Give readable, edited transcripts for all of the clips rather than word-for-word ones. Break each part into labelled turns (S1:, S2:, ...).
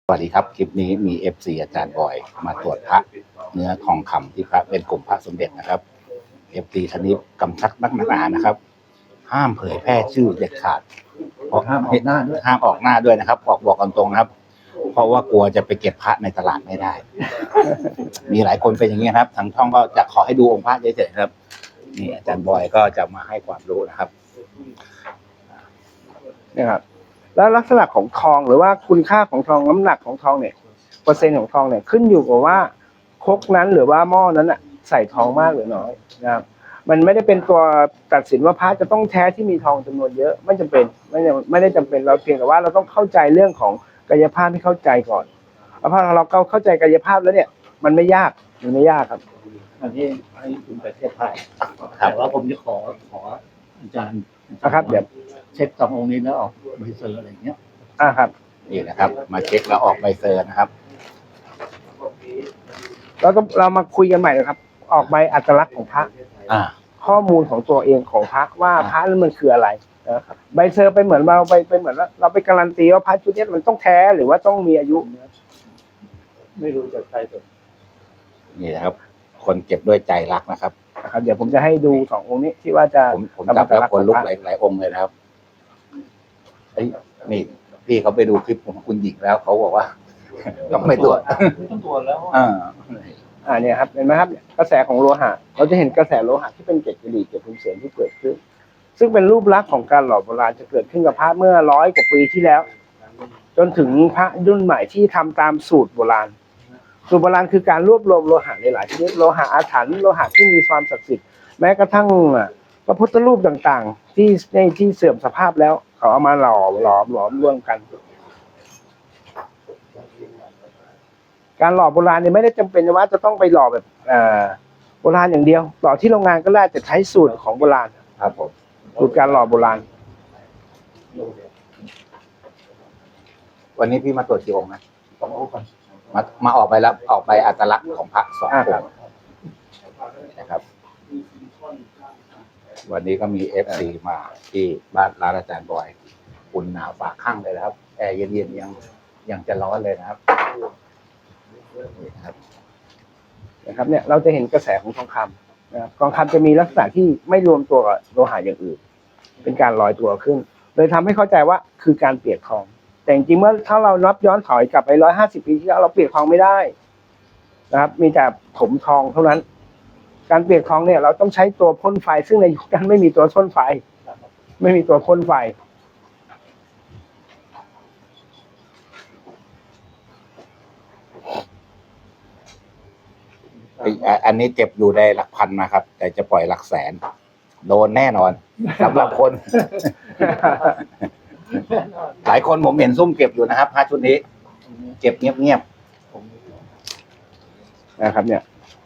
S1: สวัสดีครับคลิปนี้มี FC อาจารย์บอยมาตรวจพระเนื้อทองคำที่พระเป็นกลุ่มพระสมเด็จนะครับ FC ท่านนี้กำชับนักหนานะครับห้ามเผยแพร่ชื่อเด็ดขาดห้ามออกหน้าด้วยนะครับบอกกันตรงนะครับเพราะว่ากลัวจะไปเก็บพระในตลาดไม่ได้ มีหลายคนเป็นอย่างนี้ครับทางช่องก็จะขอให้ดูองค์พระเฉยๆครับนี่อาจารย์บอยก็จะมาให้ความรู้นะครับ
S2: นี่ครับแล้วลักษณะของทองหรือว่าคุณค่าของทองน้ำหนักของทองเนี่ยเปอร์เซ็นต์ของทองเนี่ยขึ้นอยู่กับว่าครกนั้นหรือว่าหม้อนั้นอ่ะใส่ทองมากหรือน้อยนะครับมันไม่ได้เป็นตัวตัดสินว่าพระจะต้องแท้ที่มีทองจำนวนเยอะไม่จำเป็นไม่ได้จำเป็นเราเพียงแต่ว่าเราต้องเข้าใจเรื่องของกายภาพให้เข้าใจก่อนแล้วพอเราเข้าใจกายภาพแล้วเนี่ยมันไม่ยากครับ
S3: อันนี้ให้คุณประเทศไทยแต่ว่าผมจะขออาจารย์
S2: นะครับเดี๋ยว
S3: เช็คสององค์นี้แล้วออกใบเซอร์อะไรเงี้ย
S2: ครับ
S1: นี่นะครับ มาเช็คแล้วออกใบเซอร์นะครับ
S2: เรามาคุยกันใหม่นะครับออกใบอัตลักษณ์ของพระข้อมูลของตัวเองของพระว่าพระนั้นมันคืออะไรนะครับใบเซอร์ไปเหมือนเราไปเหมือนว่าเราไปการันตีว่าพระชุดนี้มันต้องแท้หรือว่าต้องมีอายุ
S3: ไม่รู้จะใครตัว
S1: นี่นะครับคนเก็บด้วยใจรักนะครับ
S2: เดี๋ยวผมจะให้ดูสององค์นี้ที่ว่าจะ
S1: ผมจับแล้วคนลุกหลายองค์เลยนะครับนี่พี่เขาไปดูคลิปของคุณหญิงแล้วเขาบอกว่าต้องไปตรวจ
S3: แล้ว
S2: เนี่ยครับเห็นไหมครับกระแสของโลหะเราจะเห็นกระแสโลหะที่เป็นเกล็ดกระดิ่งเกล็ดพิมพ์เสียงที่เกิดขึ้นซึ่งเป็นรูปลักษณ์ของการหล่อโบราณจะเกิดขึ้นกับพระเมื่อ100 กว่าปีที่แล้วจนถึงพระรุ่นใหม่ที่ทำตามสูตรโบราณสูตรโบราณคือการรวบรวมโลหะในหลายชนิดโลหะอาถรรพ์โลหะที่มีความศักดิ์สิทธิ์แม้กระทั่งพระพุทธรูปต่างๆที่เสื่อมสภาพแล้วเขาเอามาหลอมรวมกันการหล่อโบราณเนี่ยไม่ได้จำเป็นว่าจะต้องไปหล่อแบบโบราณอย่างเดียวหล่อที่โรงงานก็ได้จะใช้สูตรของโบราณ
S1: ครับผม
S2: สูตรการหล่อโบราณ
S1: วันนี้พี่มาตรวจกี่องค์นะมาออกไปแล้วออกไปอัตลักษณ์ของพระ2 องค์นะครับวันนี้ก็มี FC มาที่บ้านร้านอาจารย์บอยอุ่นหนาวฝาข้างเลยนะครับแอร์เย็นๆยังจะร้อนเลยนะครับ
S2: นะครับเนี่ยเราจะเห็นกระแสของทองคำนะครับทองคำจะมีลักษณะที่ไม่รวมตัวกับโลหะอย่างอื่นเป็นการลอยตัวขึ้นเลยทำให้เข้าใจว่าคือการเปียกทองแต่จริงๆเมื่อถ้าเรานับย้อนถอยกลับไป150 ปีที่แล้วเราเปียกทองไม่ได้นะครับมีแต่ถมทองเท่านั้นการเปียกทองเนี่ยเราต้องใช้ตัวพ่นไฟซึ่งในยุคนั้นไม่มีตัวพ่นไฟไม่มีตัวพ่นไฟ
S1: อันนี้เจ็บอยู่ในหลักพันนะครับแต่จะปล่อยหลักแสนโดนแน่นอนสำหรับคนหลายคนผมเห็นซุ่มเก็บอยู่นะครับพระชุดนี้เก็บเงียบ
S2: ๆนะครับเนี่ย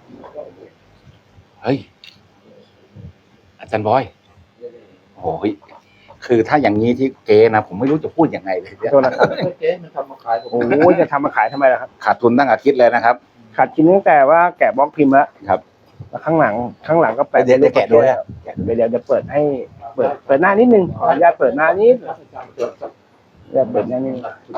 S1: เฮ้ยอาจารย์บอยโอ้ยคือถ้าอย่างนี้ที่เก๋นะผมไม่รู้จะพูดยังไงเลย
S2: โทษนะครับ
S3: เจ๊มันทำมาขาย
S2: โอ้ยจะทำมาขายทำไมล่ะครับ
S1: ขาดทุนตั้งอาทิตย์เลยนะครับ
S2: ขาดทุนตั้งแต่ว่าแกะบล็อกพิมพ์แล้ว
S1: ครับ
S2: แล้วข้างหลังก็ไป
S1: เดี๋ยวแกะด้วย
S2: เดี๋ยวจะเปิดให้เปิดหน้านิดนึงขออนุญาตเปิดหน้านี้เปิดหน้านี้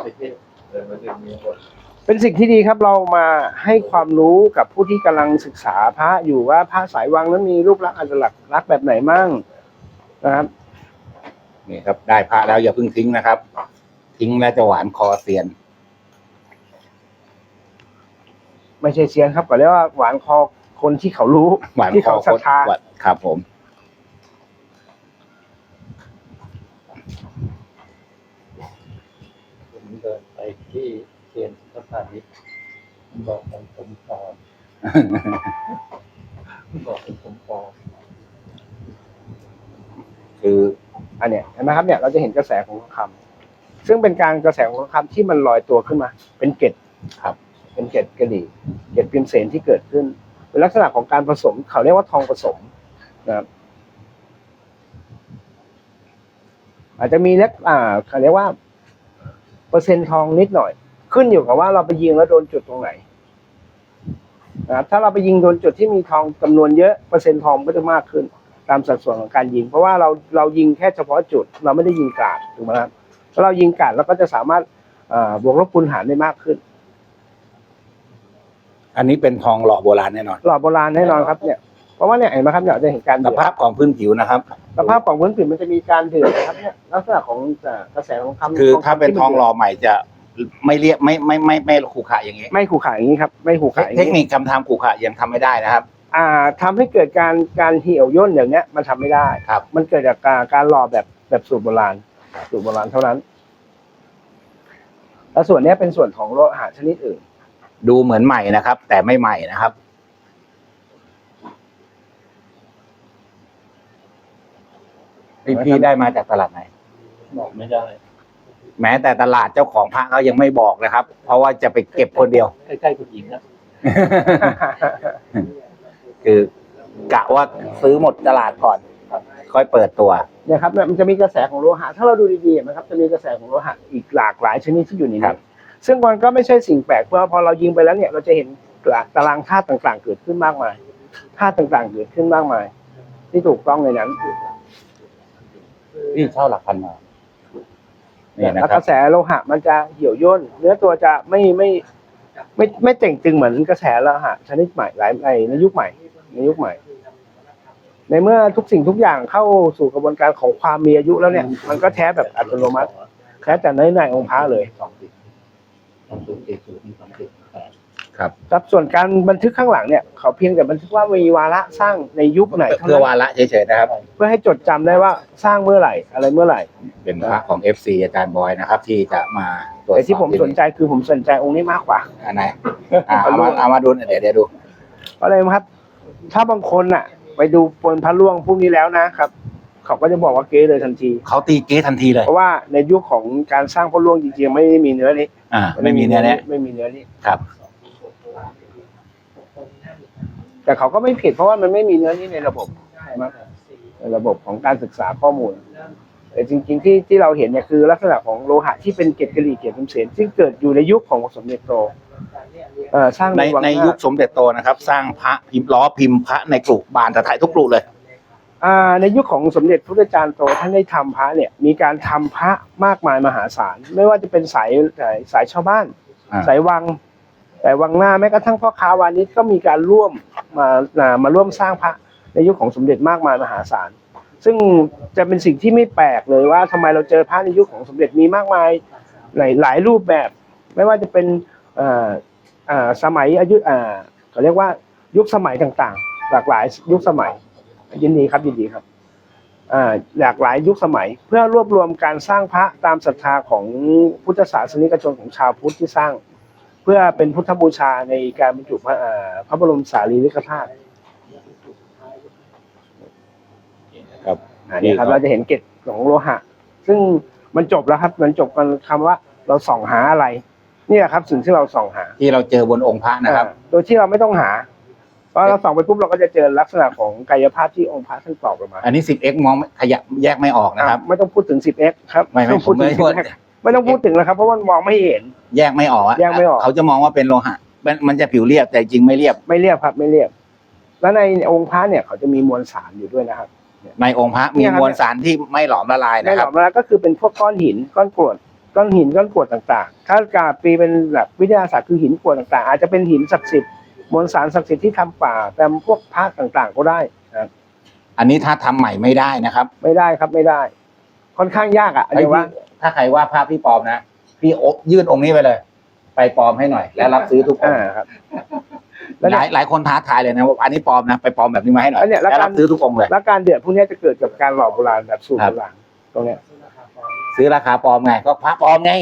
S2: เป็นสิ่งที่ดีครับเรามาให้ความรู้กับผู้ที่กำลังศึกษาพระอยู่ว่าพระสายวังนั้นมีรูปลักษณ์อัตลักษณ์แบบไหนมั่งนะครับ
S1: นี่ครับได้พระแล้วอย่าเพิ่งทิ้งนะครับทิ้งแล้วจะหวานคอเซียน
S2: ไม่ใช่เซียนครับก็เรียกว่าหวานคอคนที่เขารู้ที่เขาศรัทธา
S1: ครับผม
S3: เดินไปที่เซียนสถานีบอกผมปลอมบอกผมปลอม
S1: คือ
S2: อันเนี้ยเห็นไหมครับเนี่ยเราจะเห็นกระแสของทองคำซึ่งเป็นการกระแสของทองคำที่มันลอยตัวขึ้นมาเป็นเกล็ด
S1: ครับ
S2: เป็นเกล็ดกระดิ่งเกล็ดพิมพ์เสนที่เกิดขึ้นเป็นลักษณะของการผสมเขาเรียกว่าทองผสมนะครับอาจจะมีเล็กเขาเรียกว่าเปอร์เซ็นต์ทองนิดหน่อยขึ้นอยู่กับว่าเราไปยิงแล้วโดนจุดตรงไหนนะครับถ้าเราไปยิงโดนจุดที่มีทองจำนวนเยอะเปอร์เซ็นต์ทองก็จะมากขึ้นตามสัดส่วนของการยิงเพราะว่าเรายิงแค่เฉพาะจุดเราไม่ได้ยิงกราดถูกไหมครับถ้าเรายิงกราดเราก็จะสามารถบวกลบคูณหารได้มากขึ้น
S1: อันนี้เป็นทองหล่อโบราณแน่นอน
S2: หล่อโบราณแน่นอนครับเนี่ยเพราะว่าเนี่ยเห็นไหมครับเนี่ยจะเห็นการ
S1: ส
S2: เดือด
S1: ภาพของพื้นผิวนะครับ
S2: สภาพของพื้นผิวมันจะมีการเดือดนะครับเนี่ยลักษณะของกระแสของคำ
S1: คือถ้าเป็นทองหล่อใหม่จะไม่เรียบไม่ขรุขระอย่างนี้
S2: ไม่ขู่ขายอย่างนี้ครับไม่ขู่ขายอย่าง
S1: เทคนิ
S2: นี้
S1: คการทำขรุขระยังทำไม่ได้นะครับ
S2: ทำให้เกิดการเหี่ยวย่นอย่างเนี้ยมันทำไม่ได้
S1: ครับ
S2: มันเกิดจากการหล่อแบบสูตรโบราณสูตรโบราณเท่านั้นแล้วส่วนเนี้ยเป็นส่วนของโลหะชนิดอื่น
S1: ดูเหมือนใหม่นะครับ แต่ไม่ใหม่นะครับพี่ได้มาจากตลาดไหน
S3: บอกไม่ได้
S1: แม้แต่ตลาดเจ้าของพระเขายังไม่บอกนะครับ เพราะว่าจะไปเก็บคนเดียว
S3: ใกล้ๆคุณหญิงนะ
S1: คือกะว่าซื้อหมดตลาดก่อน ค่อยเปิดตัว
S2: เนี่ยครับมันจะมีกระแสของโลหะถ้าเราดูดีๆนะครับจะมีกระแสของโลหะอีกหลากหลายชนิดที่อยู่ใน
S1: ครั
S2: นี้
S1: บ
S2: ซึ่งมันก็ไม่ใช่สิ่งแปลกเพราะพอเรายิงไปแล้วเนี่ยเราจะเห็นตารางธาตุต่างๆ เกิดขึ้นมากมายธาตุต่างๆเกิดขึ้นมากมาย ที่ถูกต้องในนั้น
S1: พี่เช่าหลักพันมานี่นะ
S2: แล้ว
S1: ครั
S2: ก
S1: บ
S2: ระแสโลหะมันจะเหี่ยวย่นเนื้อตัวจะไม่เต่งตึงเหมือนกระแสโลหะชนิดใหม่ในยุคใหม่ ในเมื่อทุกสิ่งทุกอย่างเข้าสู่กระบวนการของความมีอายุแล้วเนี่ย มันก็แท้แบบอัตโนมัติแท้แต่ในองค์พระเลย
S1: ครับ
S2: ครับส่วนการบันทึกข้างหลังเนี่ยเขาเพียงแต่บันทึกว่ามีวาระสร้างในยุคไหนเท่า
S1: เพื่อ
S2: นั้น
S1: วาระเฉยๆนะครับ
S2: เพื่อให้จดจำได้ว่าสร้างเมื่อไหร่อะไรเมื่อไหร่
S1: เป็นพระของ FC อาจารย์บอยนะครับ ที่จะมาตรวจสอบ
S2: แต่ที่ผมสนใจคือผมสนใจองค์นี้มากกว่า
S1: อันไหนเอามาดูเดี๋ยวดู
S2: เพราะอะไรครับ ถ้าบางคนอ่ะ ไปดูปนพระล่วงพวกนี้แล้วนะครับ เขาก็จะบอกว่าเก๊เลยทันที
S1: เขาตีเก๊ทันทีเลย
S2: เพราะว่าในยุคของการสร้างพระล่วงจริงๆไม่ได้มีเนื้อนี้
S1: ไม่มีเนี่ย
S2: ไม่มีเนื้อนี้
S1: ครับ
S2: แต่เขาก็ไม่ผิดเพราะว่ามันไม่มีเนื้อนี้ในระบบในระบบของการศึกษาข้อมูลแต่จริงๆที่เราเห็นเนี่ยคือลักษณะของโลหะที่เป็นเกล็ดกะหรี่เกล็ดพิมพ์เสนซึ่งเกิดอยู่ในยุคของสมเด็จโตสร้าง
S1: ใน
S2: วังหา
S1: ยุคสมเด็จโตนะครับ สร้างพระพิมพ์ล้อพิมพ์พระในกรุบานตะไทยทุกกรุเลย
S2: ในยุคของสมเด็จพระพุทธจารย์โตท่านได้ทำพระเนี่ยมีการทำพระมากมายมหาศาลไม่ว่าจะเป็นสายชาวบ้าน สายวังแต่วังหน้าแม้กระทั่งพ่อค้าวานิชก็มีการร่วมมาร่วมสร้างพระในยุคของสมเด็จมากมายมหาศาลซึ่งจะเป็นสิ่งที่ไม่แปลกเลยว่าทำไมเราเจอพระในยุคของสมเด็จมีมากมายหลายรูปแบบ ไม่ว่าจะเป็นสมัยอายุเขาเรียกว่ายุคสมัยต่างๆหลากหลายยุคสมัยยินดีครับหลากหลายยุคสมัยเพื่อรวบรวมการสร้างพระตามศรัทธาของพุทธศาสนิกชนของชาวพุทธที่สร้าง เพื่อเป็นพุทธบูชาในการบรรจุพระบรมสารีริกธาตุ
S1: ครับ
S2: นี่ครับเราจะเห็นเกล็ดของโลหะ ซึ่งมันจบแล้วครับมันจบกันคำว่าเราส่องหาอะไรนี่แหละครับสิ่งที่เราส่องหา
S1: ที่เราเจอบนองค์พระนะครับ
S2: โดยที่เราไม่ต้องหาเพราะเราส่องไปปุ๊บเราก็จะเจอลักษณะของกายภาพที่องค์พระท่านตอบออกมา
S1: อันนี้ 10x มองขยับแยกไม่ออกนะครับ
S2: ไม่ต้องพูดถึง 10x ครับ
S1: ไม่
S2: ต้องพูดถึง
S1: ผมไม่
S2: 10x ไม่ต้องพูดถึงแล้วครับเพราะมันมองไม่เห็น
S1: แยกไม่ออกอะ
S2: แยกไม่ออก
S1: เขาจะมองว่าเป็นโลหะมันจะผิวเรียบแต่จริงไม่เรียบ
S2: ไม่เรียบครับไม่เรียบ แล้วในองค์พระเนี่ยเขาจะมีมวลสารอยู่ด้วยนะครับ
S1: ในองค์พระมีมวลสารที่ไม่หลอมละลาย
S2: ใน
S1: นะ
S2: ห
S1: ค
S2: ล
S1: รั
S2: อบ มแล้วก็คือเป็นพวกก้อนหินก้อนกรวดก้อนหินก้อนกรวดต่างๆถ้ากาปีเป็นแบบวิทยาศาสตร์คือหินกรวดต่างๆอาจจะเป็นหินศักดิ์สิทธิ์มวลสารศักดิ์สิทธิ์ที่ทำป่าแต่พวกพระต่างๆก็ได้นะครับ
S1: อันนี้ถ้าทำใหม่ไม่ได้นะครับ
S2: ไม่ได้ครับไม่ได้ ค่อนข้างยากอ่ะ
S1: เฮ้ย
S2: เดี๋ยวว่า
S1: ถ้าใครว่าภาพพี่ปลอมนะพี่ยื่นองค์นี้ไปเลย ไปปลอมให้หน่อย แล้วรับซื้อทุกองค์
S2: ครับ แล้ว
S1: ห
S2: เนี่ย
S1: ลายคนท้าทายเลยนะว่าอันนี้ปลอมนะไปปลอมแบบนี้มาให้หน่อย
S2: แล้วเนี่ยแล้ว
S1: แล้วรับซื้อทุกองค์เลย
S2: แล้วการเดือดพวกนี้จะเกิดกับการหล่อโบราณแบบสูตร
S1: ครับ
S2: โบราณตรงเนี้ย
S1: ซื้อราคาปลอมไงก็พระปลอมไง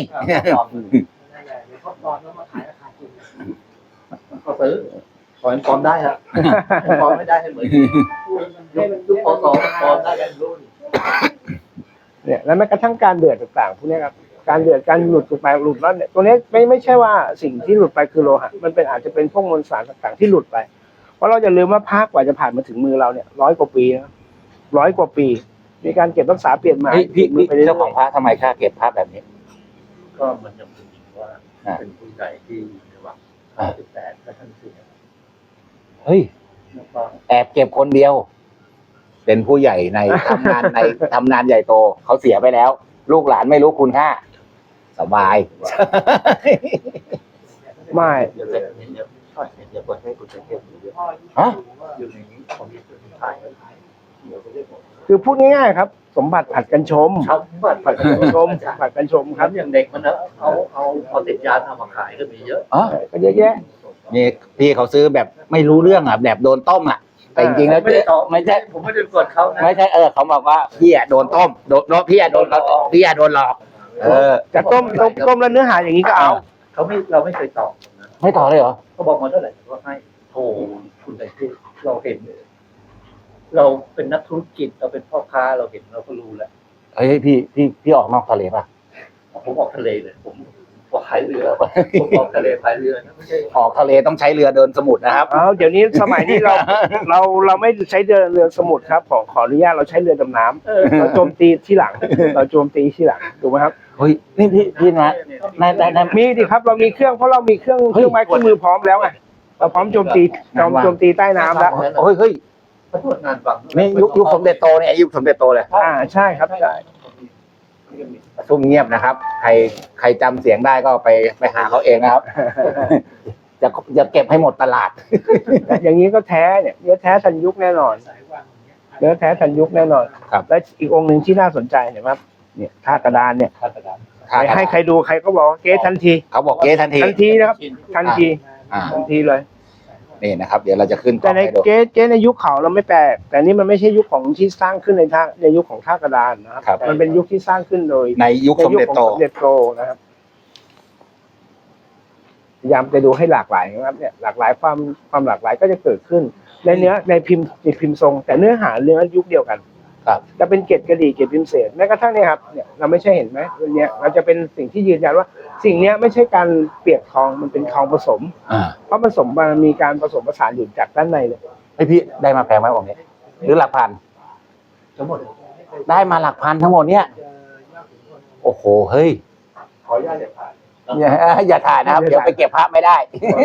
S3: ก็ซื้อขอให้ปลอมได้ครับปลอมไม่ได้ให้เหมือนยุคพศปลอมได้กันรุ่น
S2: เนี่ยแล้วแม้กระทั่งการเดือดต่างๆพวกนี้ครับการเดือดการหลุดไปหลุดแล้วเนี่ยตัวนี้ไม่ใช่ว่าสิ่งที่หลุดไปคือโลหะมันเป็นอาจจะเป็นพวกมวลสารต่างๆที่หลุดไปเพราะเราจะลืมว่าพระกว่าจะผ่านมาถึงมือเราเนี่ย100 กว่าปีนะ100 กว่าปี มีการเก็บรักษาเปลี่ยนใหม่
S1: พี่
S2: ไปเรื่อยๆ
S1: เจ้าของพระทำไมค่าเก็บพระแบบนี้
S3: ก็มันจะเป็นว่าเป็นผู้ใหญ่ที่ในวัง18และท่านเสีย
S1: เฮ้ย
S3: แล้วก็
S1: แอบเก็บคนเดียว เป็นผู้ใหญ่ใน ทำงานใหญ่โตเขาเสียไปแล้ว ลูกหลานไม่รู้คุณค่าสบาย
S2: ไม่
S3: เดี๋ยวเสร็จเดี๋ยวเปิดให้คุณเทพดูด้วย
S1: ฮะ
S3: อยู่ในนี้ผมถ่ายเดี๋ยว
S2: คือพูดง่ายๆครับ สมบัติผัดกันชม
S3: ชาวบ้าน
S2: ผัดกันชมผัดกันชม
S3: ค
S2: ค
S3: รั
S2: รั
S3: บบ อย่างเด็กมันนะเอาติดยาเอามาขายก็มีเยอะ
S1: อ๋อ
S2: ก็เยอะแยะ
S1: นี่พี่เขาซื้อแบบไม่รู้เรื่องอ่ะแบบโดนต้มอ่ะ แต่จริงๆแล้ว
S3: ไม่ได้ต่อ
S1: ไม่ใช่
S3: ผมไม่ได้กดเขานะ
S1: ไม่ใช่เขาบอกว่าพี่อ่ะโดนต้มโดนพี่อ่ะโดนเขาพี่อ่ะโดนหลอก
S2: แต่ต้มแล้วเนื้อหาอย่างนี้ก็เอา
S3: เราไม่เคยตอบนะ
S1: ไม่ต่อเลยเหรอ
S3: เขาบอกมาเท่าไหร่ก็ให้โทรคุณแต่ที่เราเห็น เราเป็นนักธุรกิจเราเป็นพ่อค้าเราเห็นเราก็รู้แหละ
S1: เฮ้ยพี่ออกนอกทะเลป่ะ
S3: ผมออกทะเลเลยผมพายเรือผมออกทะเลพายเรือนะไม่ใช่
S1: ออกทะเลต้องใช้เรือเดินสมุทรนะครับ
S2: เอาเดี๋ยวนี้สมัยนี้เราไม่ใช้เรือสมุทรครับขออนุญาตเราใช้เรือดำน้ำเราโจมตีที่หลังเราโจมตีที่หลังถูกไหมครับ
S1: เฮ้ยนี่พี่นะใน
S2: มีดิครับเรามีเครื่องเพราะเรามีเครื่องไม้เครื่องมือพร้อมแล้วไงเราพร้อมโจมตีโจมตีใต้น้ำแล้ว
S1: เฮ้ย
S3: เขาตรวจงานฟัง
S1: นี่ยุคสมเด็จโตเนี่ยยุคสมเด็จโตเลย
S2: ใช่ครับใช่
S1: ซุ่มเงียบนะครับ ใครจำเสียงได้ก็ไปหาเขาเองนะครับ จะเก็บให้หมดตลาด
S2: อย่างนี้ก็แท้เนี่ยเนื้อแท้ทันยุคแน่นอนเนื้อแท้ทันยุคแน่นอน
S1: ครับ
S2: และอีกองค์หนึ่งที่น่าสนใจเห็นไหมครับเนี่ยท่ากระดานเนี่ย
S3: คาดการณ์
S2: ให้ใครดูใครก็บอกว่าเก๊ทันที
S1: เขาบอกเก๊ทันที
S2: ทันทีนะครับทันที
S1: อ่า
S2: ทันทีเลย
S1: นี่นะครับ เดี๋ยวเราจะขึ้นกล้
S2: แต่
S1: อง
S2: ใน
S1: ให้ดู
S2: เก๊ในยุคเขาเราไม่แปลกแต่นี่มันไม่ใช่ยุคของที่สร้างขึ้นในยุคของท่ากระดานนะครับ
S1: ครับ
S2: มันเป็นยุคที่สร้างขึ้นโดย
S1: ในยุคสมเด็จโต
S2: ในยุคของสมเด็จโตนะครับพยายามจะดูให้หลากหลายนะครับเนี่ยหลากหลายความหลากหลายก็จะเกิดขึ้นในเนื้อในพิมพ์ทรง แต่เนื้อหาเนื้อยุคเดียวกัน
S1: ครับ
S2: จะเป็นเกล็ดกระดี่เกล็ดพิมพ์เศษแม้กระทั่งเนี่ยครับเนี่ยเราไม่ใช่เห็นไหมวันเนี้ยเราจะเป็นสิ่งที่ยืนยันว่า สิ่งเนี้ยไม่ใช่การเปียกทองมันเป็นทองผสม
S1: อ่า
S2: เพราะผสมมันมีการผสมผสานอยู่จากด้านในเลย
S1: ไอพี่ได้มาแพงไหมองค์นี้หรือหลักพัน
S3: ทั้งหมด
S1: ได้มาหลักพันทั้งหมดเนี่ยโอ้โหเฮ้ย
S3: ขออนุญาตเด็ดขาด
S1: อย่าถ่ายนะครับ เดี๋ยวไปเก็บภาพไม่ได้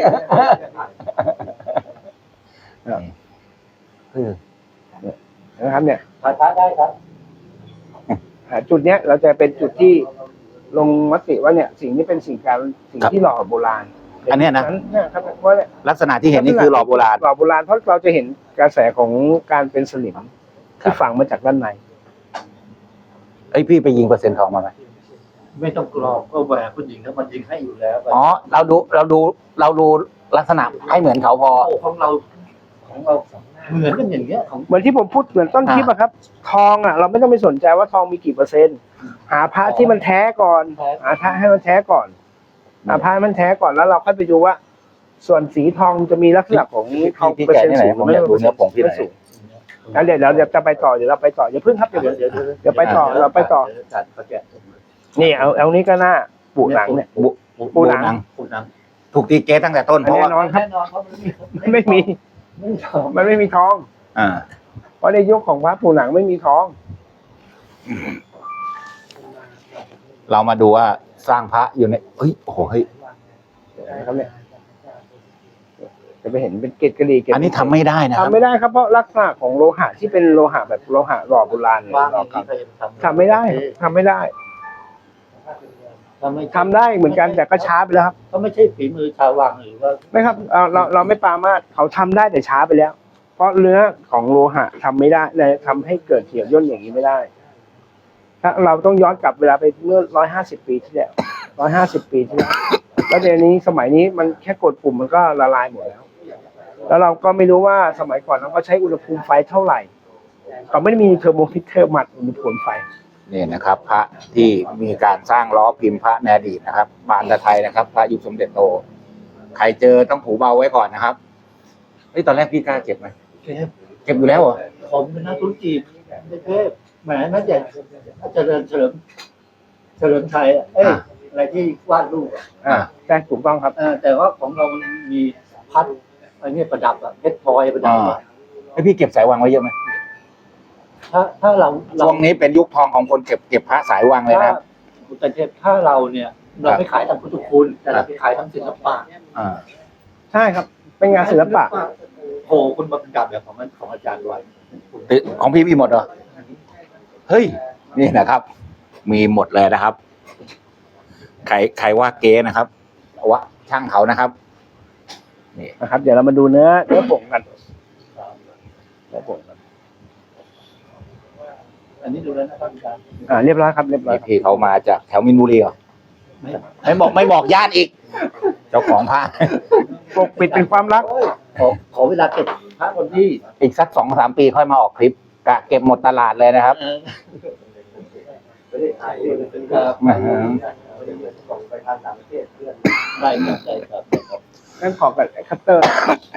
S2: นะครับเนี่ย
S3: ถ่ายพระได้ครับ
S2: จุดเนี้ยเราจะเป็นจุดที่ลงมติว่าเนี่ยสิ่งนี้เป็นสิ่งที่หล่อโบราณ
S1: อันเนี้ยนะ
S2: เนี่ยครับเพราะเนี่ย
S1: ลักษณะที่เห็นนี่คือหล่อโบราณ
S2: หล่อโบราณเพราะเราจะเห็นกระแสของการเป็นสลิม
S1: ครั
S2: ที่
S1: บ
S2: ฝังมาจากด้านใน
S1: เอ้ยพี่ไปยิงเปอร์เซ็นต์ทองมาไหม
S3: ไม่ต้องกรอกก็แหวกคุณหญิงถ้ามันยิงให้อยู่แล้ว
S1: อ๋อเราดูลักษณะให้เหมือนเขาพอ
S3: ของเราเหมือนกันอย่างเงี้ยของ
S2: เหมือนที่ผมพูดเหมือนต้นคลิปอะครับ ทองอะเราไม่ต้องไปสนใจว่าทองมีกี่เปอร์เซ็นต์หาพระที่มันแท้ก่อนหาพระให้มันแท้ก่อนหาพระให้มันแท้ก่อนแล้วเราค่อยไปดูว่า ส่วนสีทองจะมีลักษณะของทอง
S1: พี่
S2: เปอร์
S1: แกะ
S2: เซ็นต์
S1: ที่ไหน
S2: สูง
S1: ผม
S2: ไม่
S1: อยากดูเนื้อผงที่ไหน
S2: สูงงั้นเดี๋ยวเราจะไปต่อเดี๋ยวเราไปต่ออย่าเพิ่งครับเดี๋ยวไปต่อเราไปต่อ
S3: จัดประแกะ
S2: นี่เอานี้ก็น่าปูหนังเนี่ย ปูหนัง
S3: ปูหนัง
S1: ถูกตีเกตตั้งแต่ต้นเพราะ
S2: แน่
S1: ว่าน
S2: อนครับ
S3: แน่นอนครับ
S2: ไม่มี
S3: ไม่ชอบ
S2: มันไม่มีทอง
S1: อ่า
S2: เพราะในยุคของพระปูหนังไม่มีทอง
S1: เรามาดูว่าสร้างพระอยู่ในเฮ้ยโอ้โหเฮ้ย
S2: นะครับเนี่ยจะไปเห็นเป็นเกล็ดกระดี่เกล็ด
S1: อันนี้ทำไม่ได้นะครับ
S2: ทำไม่ได้ครับเพราะลักษณะของโลหะที่เป็นโลหะแบบโลหะหล่อโบราณเนี่ย
S3: ว่าง
S2: หล่อ
S3: ที่
S2: เก่า
S3: เคย
S2: ทำไม่ได้ทำไม่ได้ทำได้เหมือนกันแต่ก็ช้าไปแล้วครับ
S3: ก็ไม่ใช่ฝีมือชาววังหรือว่า
S2: ไม่ครับเราไม่ปรามาสเขาทำได้แต่ช้าไปแล้ว เพราะเนื้อของโลหะทำไม่ได้เลยทำให้เกิดเหี่ยวย่นอย่างนี้ไม่ได้ถ้าเราต้องย้อนกลับเวลาไปเมื่อ150 ปีที่แล้ว150 ปีที่แล้วแล้วเดี๋ยวนี้สมัยนี้มันแค่กดปุ่มมันก็ละลายหมดแล้ว แล้วเราก็ไม่รู้ว่าสมัยก่อนเราก็ใช้อุณหภูมิไฟเท่าไหร่เขาไม่ได้มีเทอร์โมมิเตอร์มัดอุณหภูมิไฟ
S1: นี่นะครับ พระที่มีการสร้างล้อพิมพ์พระในอดีตนะครับบานตะไทยนะครับ พระยุคสมเด็จโต ใครเจอต้องผูเบาไว้ก่อนนะครับเฮ้ยตอนแรกพี่กล้าเก็บไหมเก็บอยู่แล้วเหรอ
S3: ผมเป็นนักธุรกิจในเทพแหมน่าจะเฉลิมชัยอะไรที่วาดรูป
S2: ใช่ถูกต้องครับ
S3: แต่ว่าของเรามันมีพัดอะไรเนี่ยประดับเพชรพลอยประดับ
S1: ไอ้พี่เก็บสายวังไว้เยอะไหม
S3: ถ้าเรา
S1: ช่วงนี้เป็นยุคทองของคนเก็บพระสายวังเลยนะครับ
S3: คุณเทพถ้าเราเนี่ยเราไม่ขายทางพุทธคุณแต่เราไปขายทางศิลปะ
S1: อ่า
S2: ใช่ครับ เป็นงานศิลปะ
S3: โหคุณมาประดับแบบของอาจารย์ไว้
S1: ของพี่มีหมดเหรอเฮ้ยนี่นะครับ มีหมดเลยนะครับใครว่าเก๊นะครับว่าช่างเขานะครับ
S2: นะครับ เดี๋ยวเรามาดูเนื้อผงกันเนื้อผงกัน
S3: อันนี้ดูแล้วนะครับอาจารย์
S2: เรียบร้อยครับเรียบร้อย
S1: นี่พี่เขามาจากแถวมินบุรีเหรอไม่บอกญาติอีก เจ้าของผ้า
S2: ปกปิดเป็นความลับ
S3: ขอเวลาเก็บพระคนที่
S1: อีกสัก2-3 ปีค่อยมาออกคลิปกะเก็บหมดตลาดเลยนะครับ
S3: ครับ
S1: อืม
S3: ไปทางต่างประเทศเพื่อนได้ครับได้ครับ
S2: งั้นขอกับคัตเตอร์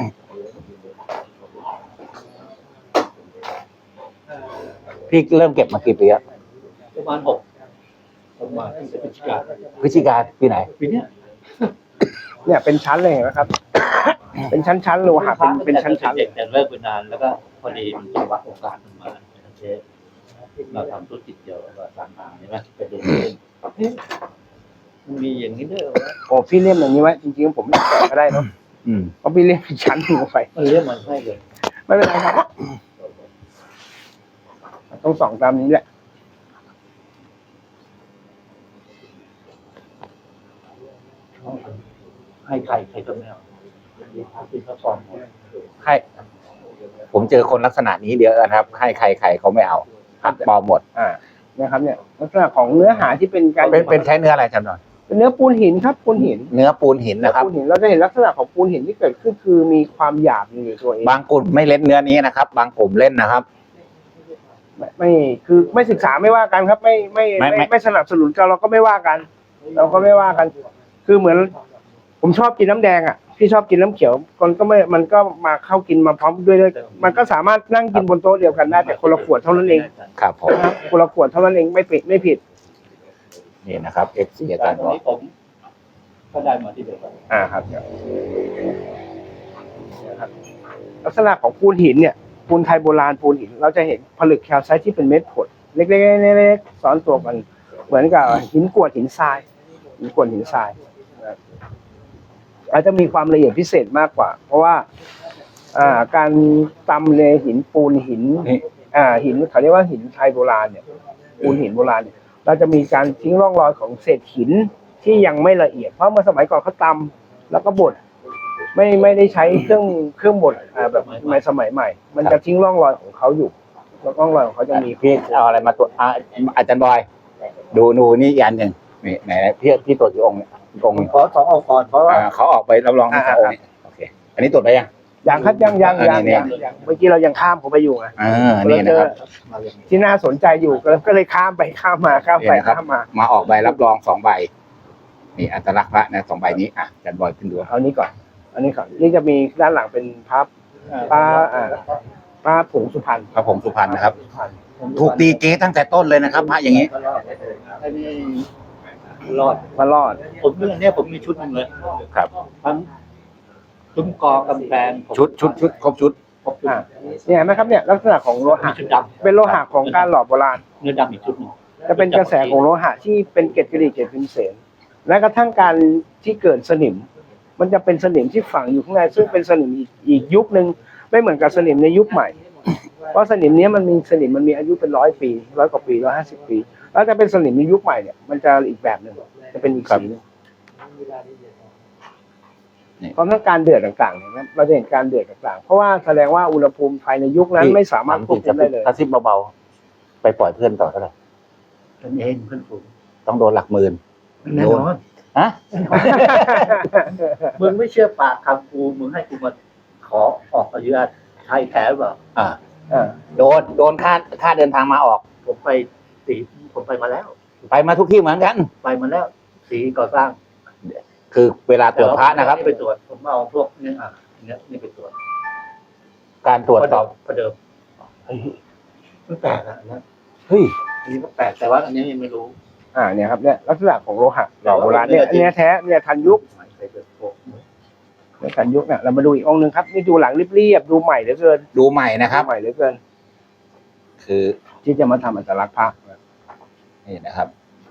S1: พี่เริ่มเก็บมากี่ปีแล้ว
S3: ประมาณประมาณที่พฤศจิกา
S1: พฤศจิกาปีไหน
S3: ปีเนี้ย
S2: เนี่ยเป็นชั้นเลยเห็นไหมครับ เป็นชั้นๆโลหะเป็นชั้นๆ
S3: เด็กแต่เลิกไปนานแล้วก็พอดีมันจังหวะโอกาสมันมาเชฟเราทำธุรกิจเดียวก็ต่างๆใช่ไหมไปดูเล่นมันมีอย่างนี้ด้วยเหรอวะ
S2: โอ้พี่เลี่ยมอย่างนี้ไว้จริงๆผมไม่แกะก็ได้เนอะ
S1: อืม
S2: เพราะพี่เลี่ยมเป็นชั้นลงไป
S3: มันเรียกมันให้เลย
S2: ไม่เป็นไรครับต้องส่องตามนี้แหละ
S3: ให้ใครก็ไม่เอาเป็นพระฟอร์มหมด
S1: ให้ผมเจอคนลักษณะนี้เดียวนะครับ ให้ใครเขาไม่เอาหักปลอมหมด
S2: นะครับเนี่ยลักษณะของเนื้อหาที่เป็นการ
S1: เป็นใช้เนื้ออะไรจำหน่อย
S2: เป็นเนื้อปูนหินครับปูนหิน
S1: เนื้อปูนหินนะครับ
S2: ปูนหินเราจะเห็นลักษณะของปูนหินที่เกิดขึ้นคือมีความหยาบอยู่ในตัวเอง
S1: บางกลุ่มไม่เล่นเนื้อนี้นะครับ บางกลุ่มเล่นนะครับ
S2: ไม่คือไม่ศึกษาไม่ว่ากันครับ ไม่สนับสนุนกันเราก็ไม่ว่ากัน เราก็ไม่ว่ากัน คือเหมือน ผมชอบกินน้ำแดงอ่ะพี่ชอบกินน้ำเขียวมันก็มาเข้ากินมาพร้อมด้วยมันก็สามารถนั่งกินบนโต๊ะเดียวกันได้แต่คนละขวดเท่านั้นเอง
S1: ครับผม
S2: นะครับคนละขวดเท่านั้นเองไม่ผิด
S1: นี่นะครับ FC อาจารย์
S3: ตอน
S1: บอก
S3: นี้ผมก็ได้มาที่เดียวกัน
S2: ครับลักษณะของปูนหินเนี่ยปูนไทยโบราณปูนหิน เราจะเห็นผลึกแคลไซต์ที่เป็นเม็ดผดเล็กๆซ้อนตัวกันเหมือนกับหินกรวดหินทรายนะครับอาจจะมีความละเอียดพิเศษมากกว่า เพราะว่าการตำเลหินปูนหิน
S1: นี่
S2: หินเขาเรียกว่าหินไทยโบราณเนี่ยปูนหินโบราณเนี่ยเราจะมีการทิ้งร่องรอยของเศษหินที่ยังไม่ละเอียดเพราะเมื่อสมัยก่อนเขาตำแล้วก็บดไม่ได้ใช้เครื่องบดแบบสมัยใหม่ มันจะทิ้งร่องรอยของเขาอยู่แล้วร่องรอยของเขาจะมี
S1: พี่เอาอะไรมาตรวจอาจารย์บอย ดูนี่อีกอันหนึ่งนี่ไหนพี่ตรวจกี่องค์เนี่ยองค์หนึ่ง
S3: ขอ2องค์ก่อนเพราะว่า
S1: เขาออกไปรับรองที่องค์นี้โอเค อันนี้ตรวจไปยัง
S2: ยังครับยังเมื่อกี้เรายังข้ามเขาไปอยู่ไง
S1: นี่นะครับ
S2: ที่น่าสนใจอยู่ก็เลยข้ามไปข้ามมาข้ามไปข้ามมา
S1: มาออกใบรับรอง2 ใบ นี่อัตลักษณ์พระนะ2 ใบนี้อาจารย์บอยขึ้นดู
S2: เอานี้ก่อนนี่จะมีด้านหลังเป็นพับป้าผงสุพรรณ
S1: พระผงสุพรรณนะครับ ถูกตีเก๊ตั้งแต่ต้นเลยนะครับพระอย่างนี้
S3: อันนี้รอด
S2: มารอด
S3: ผมเนี่ยผมมีชุดหนึงเลย
S1: ครับ
S3: ทั้งซุ้มกอกำแพงผม
S1: ชุดครบชุด
S3: ครบชุด
S2: เนี่ยเห็นไหมครับเนี่ยลักษณะของโล
S3: มี
S2: หะ
S3: ชุดดำ
S2: เป็นโลหะของการหล่อโบราณ
S3: เนื้อดำอีกชุดหนึง
S2: จะเป็นกระแสของโลหะที่เป็นเกล็ดกระดิ่งเกล็ดพิมเสนและกระทั่งการที่เกิดสนิม มันจะเป็นสนิมที่ฝังอยู่ข้างในซึ่งเป็นสนิมอีกยุคนึงไม่เหมือนกับสนิมในยุคใหม่ เพราะสนิมนี้มันมีอายุเป็น100 ปี100 กว่าปี150 ปีแล้วจะเป็นสนิมในยุคใหม่เนี่ยมันจะอีกแบบหนึ่งจะเป็นอีกสีนึงพร้อมทั้งการเดือดต่างๆเนี่ยเราจะเห็นการเดือดต่างๆเพราะว่าแสดงว่าอุณหภูมิภายในยุคนั้นไม่สามารถควบคุมได้เลย
S1: กระซิบเบาๆไปปล่อยเพื่อนต่อเท่าไหร่
S3: เป็นเองเพื่อนฝูง
S1: ต้องโดนหลักหมื่น
S3: แน่นอน
S1: ฮะ
S3: มึงไม่เชื่อปากคำกูมึงให้กูมาขอออกอนุญาตใช้แท้หรือเปล่า
S1: โดนค่าเดินทางมาออก
S3: ผมไปผมไปมาแล้ว
S1: ไปมาทุกที่เหมือนกัน
S3: ไปมาแล้วสีก่อสร้าง
S1: คือเวลาตรวจพระนะครับ
S3: ไปตรวจผมเอาพวกเนี่ยนี่ไปตรวจ
S1: การตรวจสอบ
S3: ประเดิมมันแปลกนะนะ
S1: เฮ้ย
S3: อันนี้ก็แปลกแต่ว่าอันนี้ยังไม่รู้
S2: เนี่ยครับเนี่ยลักษณะของโลหะหล่อโบราณเนี่ยอันเนี้ยแท้เนี่ยทันยุคเนี่ยทันยุคเนี่ยเรามาดูอีกองค์หนึ่งครับนี่ดูหลังเรียบๆดูใหม่เหลือเกิน
S1: ดูใหม่นะครับ
S2: ใหม่เหลือเกิน
S1: คือ
S2: ที่จะมาทำอัตลักษณ์พระ
S1: นี่นะครับ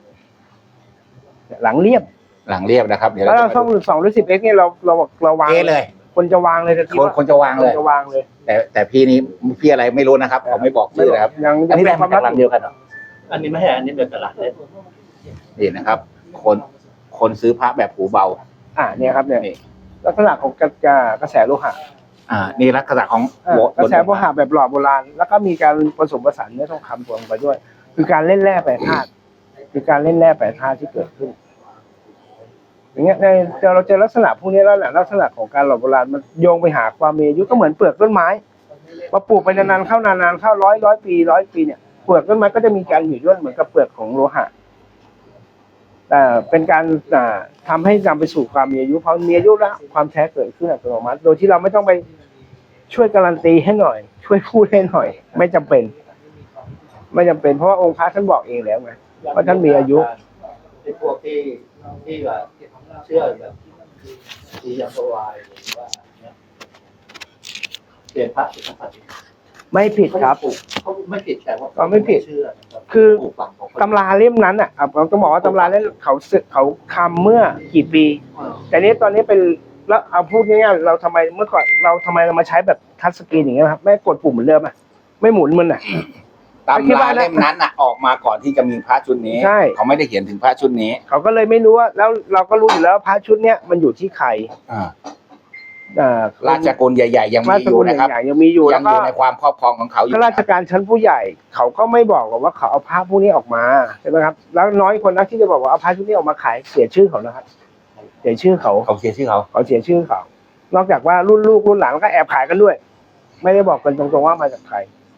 S2: หลังเรียบ
S1: หลังเรียบนะครับ เดี๋ยว
S2: แล้ว
S1: เรา
S2: เรา
S1: จะ
S2: ช่อง2 หรือ 10x เนี่ยเราวาง
S1: เก๊เลย
S2: คนจะวางเลยทันที
S1: คนจะวางเลย
S2: คนจะวางเลย
S1: แต่พี่อะไรไม่รู้นะครับเขาไม่บอกชื่อนะครับ
S2: ยัง
S1: อันนี้
S2: เป็
S1: ได้
S2: นคาม
S1: มาวจาก
S2: ลับ
S1: ร้านเดียวกันเหรอ
S3: อันนี้ไม่ใช่อันนี้เป็นตลาดเล่น
S1: นี่นะครับ คนคนซื้อพระแบบหูเบา
S2: เนี่ยครับเนี่ย
S1: นี่
S2: ลักษณะของกระแสโลหะ
S1: นี่ลักษณะของ
S2: กระแสโลหะแบบหล่อโบราณแล้วก็มีการผสมผสานเนื้อทองคำรวมไปด้วย คือการเล่นแร่แปรธาตุคือการเล่นแร่แปรธาตุที่เกิดขึ้น อย่างเงี้ยเราเจอลักษณะพวกนี้แล้วแหละลักษณะของการหล่อโบราณมันโยงไปหาความมีอายุก็เหมือนเปลือกต้นไม้พอปลูกไปนานๆเข้ร้อยปีเนี่ยเปลือกต้นไม้ก็จะมีการหยุ่ยย่นเหมือนกับเปลือกของโลหะแต่เป็นการทำให้นำไปสู่ความมีอายุพอมีอายุแล้วความแท้เกิดขึ้นอัตโนมัติโดยที่เราไม่ต้องไปช่วยการันตีให้หน่อย ช่วยพูดให้หน่อย ไม่จำเป็นเพราะว่าองค์พระท่านบอกเองแล้วไงว่าท่านมีอายุ
S3: ไอ้พวกที่แบบเชื่อแบบที่ยังวายหรือว่าเปลี่ยนพระเป็นพระ
S2: ไม่ผิดครับ
S3: เขาไม่ผิดแต่ว่า
S2: ก็ไม่ผิด
S3: เชื่อนะครับ
S2: คือตำราเล่มนั้นเราต้องบอกว่าตำราเล่มเขาคำเมื่อกี่ปี แต่นี้ตอนนี้เป็นแล้วเอาพูดง่ายๆเราทำไมเมื่อก่อนเรามาใช้แบบทัชสกรีนอย่างเงี้ยครับไม่กดปุ่มเหมือนเดิมไม่หมุนมัน
S1: ตำราเล่มนั้นออกมาก่อนที่จะมีพระชุดนี้
S2: ใช่
S1: เขาไม่ได้เขียนถึงพระชุดนี้
S2: เขาก็เลยไม่รู้ว่าแล้วเราก็รู้อยู่แล้วพระชุดเนี้ยมันอยู่ที่ใคร
S1: ราชกุลใหญ่ๆยังมีอยู่นะครับ
S2: ยังมีอยู่
S1: ยั
S2: แล้
S1: ง
S2: ว
S1: อ
S2: ก็
S1: ยู่ในความครอบครองของเขาอยู่
S2: ข้าราชการชั้นผู้ใหญ่เขาก็ไม่บอกหรอกว่าเขาเอาพระพวกนี้ออกมาใช่ไหมครับแล้วน้อยคนนักที่จะบอกว่าเอาพระชุดนี้ออกมาขายเสียชื่อเขานะครับเสียชื่อเขา
S1: เขาเขียนชื่อเขา
S2: เสียชื่อเขานอกจากว่ารุ่นลูกรุ่นหลานก็แอบขายกันด้วย ไม่ได้บอกกันตรงๆว่ามาจากใคร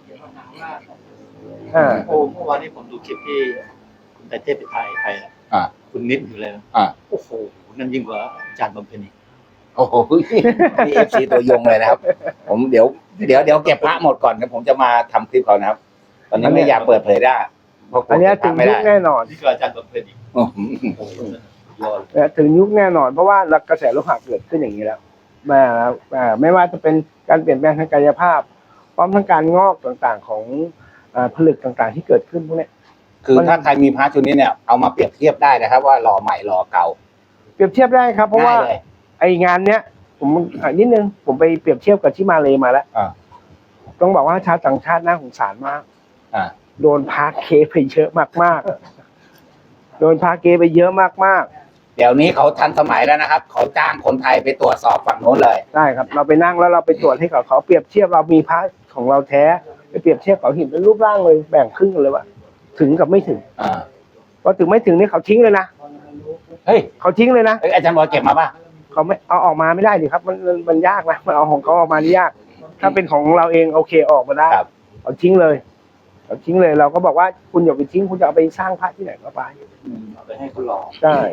S3: โอ้เมื่อวานนี้ผมดูคลิปที่คุณแต่เทพไปไทยคุณนิดอยู่เลยโอ้โหนั่นยิ่งกว่าอาจารย์บำเพ็ญอีก
S1: โอ้โหนี่FC ตัวยงเลยนะครับ ผมเดี๋ยวเก็บพระหมดก่อนนะผมจะมาทำคลิปเขานะครับ ตอนนี้ไม่อยากเปิดเผยได้เพราะ
S2: อันนี้ถึงยุคแน่นอน
S3: นี่คืออาจารย์บำเพ็ญอีกโอ้โหยอด
S2: ถึงยุคแน่นอนเพราะว่ากระแสโลหะเกิดขึ้นอย่างนี้แล้วไม่ว่าจะเป็นการเปลี่ยนแปลงทางกายภาพพร้อมทั้งการงอกต่างๆของผลึกต่างๆที่เกิดขึ้นพวกนี้
S1: คือถ้าใครมีพระชุดนี้เนี่ยเอามาเปรียบเทียบได้นะครับว่าหล่อใหม่หล่อเก่า
S2: เปรียบเทียบได้ครับเพราะว่าไองานเนี้ยผมนิดนึงผมไปเปรียบเทียบกับที่มาเลมาแล้วต้องบอกว่าชาวต่างชาติน่าสงสารมากโดนพาเคไปเยอะมากๆโดนพาเคไปเยอะมากๆ
S1: เดี๋ยวนี้เขาทันสมัยแล้วนะครับเขาจ้างคนไทยไปตรวจสอบฝั่งโน้นเลย
S2: ได้ครับเราไปนั่งแล้วเราไปตรวจให้เขาเปรียบเทียบเรามีพระของเราแท้ไปเปรียบเทียบเขาเห็นเป็นรูปร่างเลยแบ่งครึ่งกันเลยว่าถึงกับไม่ถึงพอถึงไม่ถึงนี่เขาทิ้งเลยนะ
S1: เฮ้ย
S2: เขาทิ้งเลยนะ
S1: อาจารย์บอยเก็บมาป่ะ
S2: เขาไม่เอาออกมาไม่ได้ดิครับมันยากนะมันเอาของเขาออกมานี่ยากถ้าเป็นของเราเองโอเคออกมาได้เอาทิ้งเลยเราก็บอกว่าคุณอย่าไปทิ้งคุณจะเอาไปสร้างพระที่ไหนก็ไป
S3: เอาไปให้เขาหลอก
S2: ใช่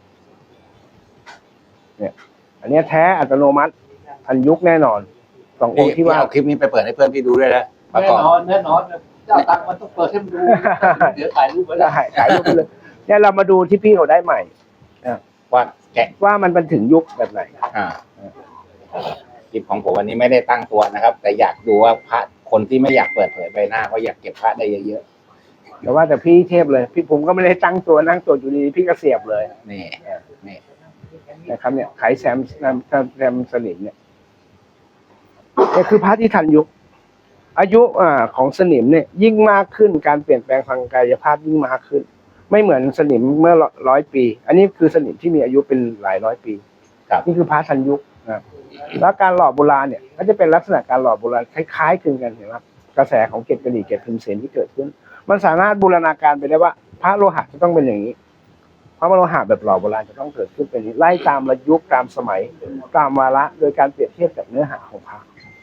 S2: เนี่ยอันนี้แท้อัตโนมัติทันยุคแน่นอนสององค์ที่ว่า
S1: เอาคลิปนี้ไปเปิดให้เพื่อนพี่ดูด้วยนะ
S3: แน่นอนเจ้าตังมันต้องเปิดให้มันดูเดี๋ยวถ่ายรูปไว้
S2: ได้ถ่ายรูปไปเลยเนี่ยเรามาดูที่พี่เขาได้ใหม่ว่ามันถึงยุคแบบไหน
S1: คลิปของผมวันนี้ไม่ได้ตั้งตัวนะครับแต่อยากดูว่าพระคนที่ไม่อยากเปิดเผยใบหน้าเขาอยากเก็บพระได้เยอะ
S2: ๆแต่ว่าแต่พี่เทพเลยพี่ผมก็ไม่ได้ตั้งตัวนั่งตัวอยู่ดีพี่ก็เสียบเลย
S1: นี่
S2: นะครับเนี่ยไขแซมสนิมเนี่ยคือพระที่ทันยุคอายุของสนิมเนี่ยยิ่งมากขึ้นการเปลี่ยนแปลงทางกายภาพยิ่งมากขึ้นไม่เหมือนสนิมเมื่อ100 ปีอันนี้คือสนิมที่มีอายุเป็นหลายร้อยปีนี่คือพระทันยุคนะแล้วการหล่อโบราณเนี่ยก็จะเป็นลักษณะการหล่อโบราณคล้ายๆคลึงกันเห็นไหมกระแสของเกล็ดกระดิ่งเกล็ดพิมพ์เสนที่เกิดขึ้นมันสามารถบูรณาการไปได้ว่าพระโลหะจะต้องเป็นอย่างนี้พระโลหะแบบหล่อโบราณจะต้องเกิดขึ้นเป็นนี้ไล่ตามระยุคตามสมัยตามวาระโดยการเปรียบเทียบกับเนื้อหาของพระ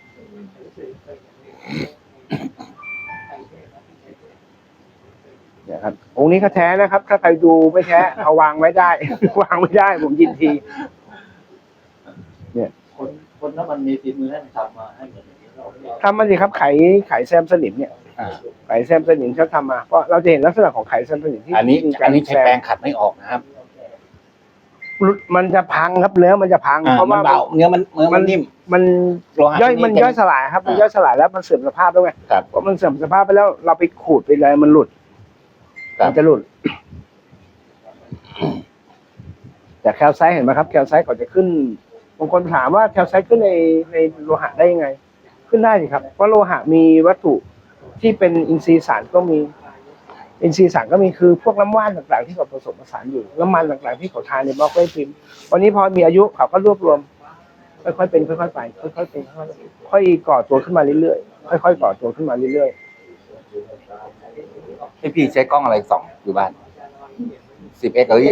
S2: เนี่ยครับองค์นี้ก็แท้นะครับถ้าใครดูไม่แท้เอาวางไว้ได้วางไม่ได้ผมยินทีเนี่ย
S3: คนนั้นมันมีฝีมือให้ทำมาให้เหมือน
S2: ทำมาสิครับไขแซมสนิมเนี่ยไขแซมสนิมเขาทำมาเพราะเราจะเห็นลักษณะของไขแซมสนิมที่
S1: อันนี้ใช้แปรงขัดไม่ออกนะครับ
S2: มันจะพังครับเนื้อมันจะพัง
S1: เพราะว่าเนื้อมันนิ่ม
S2: มันย่อยสลายครับมันย่อยสลายแล้วมันเสื่อมสภาพแล้วไงเพราะมันเสื่อมสภาพไปแล้วเราไปขูดไปเลยมันหลุดมันจะหลุดแต่แคลไซต์เห็นไหมครับแคลไซต์ก่อนจะขึ้นบางคนถามว่าแคลไซต์ขึ้นในโลหะได้ยังไงขึ้นได้สิครับเพราะโลหะมีวัตถุที่เป็นอินทรีย์สารก็มีอินทรีย์สังก็มีคือพวกน้ำว่านต่างๆที่เขาผสมผสานอยู่น้ำมันต่างๆที่เขาทานในบล็อกไว้พิมพ์วันนี้พอมีอายุเขาก็รวบรวมค่อยๆเป็นค่อยๆไปค่อยๆเป็นค่อยๆก่อตัวขึ้นมาเรื่อยๆค่อยๆก่อตัวขึ้นมาเรื่อยๆ
S1: พี่ใช้กล้องอะไรส่องอยู่บ้าน 10x เอ้ย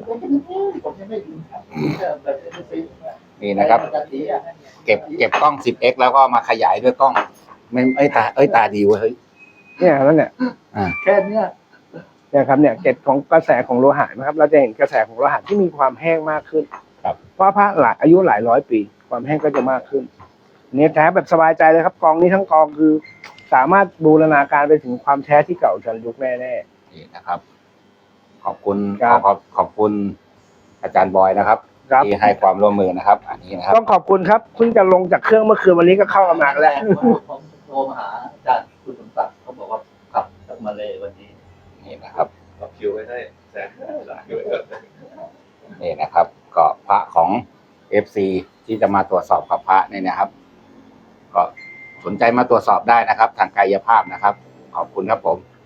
S1: นี่นะครับ เก็บกล้อง 10x แล้วก็มาขยายด้วยกล้องไม่ตาดีเว้ยเฮ้ย
S2: เนี่ยแล้วเนี่ย
S3: แค่เนี้ย
S2: เนี่ยครับเนี่ยเกล็ดของกระแสของโลหะนะครับ เราจะเห็นกระแสของโลหะที่มีความแห้งมากขึ้น
S1: ครับ
S2: เพราะพระอายุหลายร้อยปี ความแห้งก็จะมากขึ้นเนี่ยแท้แบบสบายใจเลยครับกองนี้ทั้งกองคือ สามารถบูรณาการไปถึงความแท้ที่เก่าจันยุคแน่
S1: นี่นะครับ ขอบคุณ
S2: ครับ
S1: ขอบคุณอาจารย์บอยนะครับ
S2: ๆครับ
S1: ที่ให้ความร่วมมือนะครับ อันนี้นะครับ
S2: ต้องขอบคุณครับเพิ่งจะลงจากเครื่องเมื่อคืนวันนี้ก็เข้ามาแล้ว
S3: ผมโทรมาหาอาจารย์คุณสมศักดิ์เขาบอกว่าขับจากมาเลยวันนี้
S1: นี่นะครับ
S4: เอาคิวไว้ให้แสนหลายด้วย
S1: นี่นะครับ ก็พระของ FC ที่จะมาตรวจสอบกับพระเนี่ยนะครับ ก็สนใจมาตรวจสอบได้นะครับ ทางกายภาพนะครับ ขอบคุณครับผม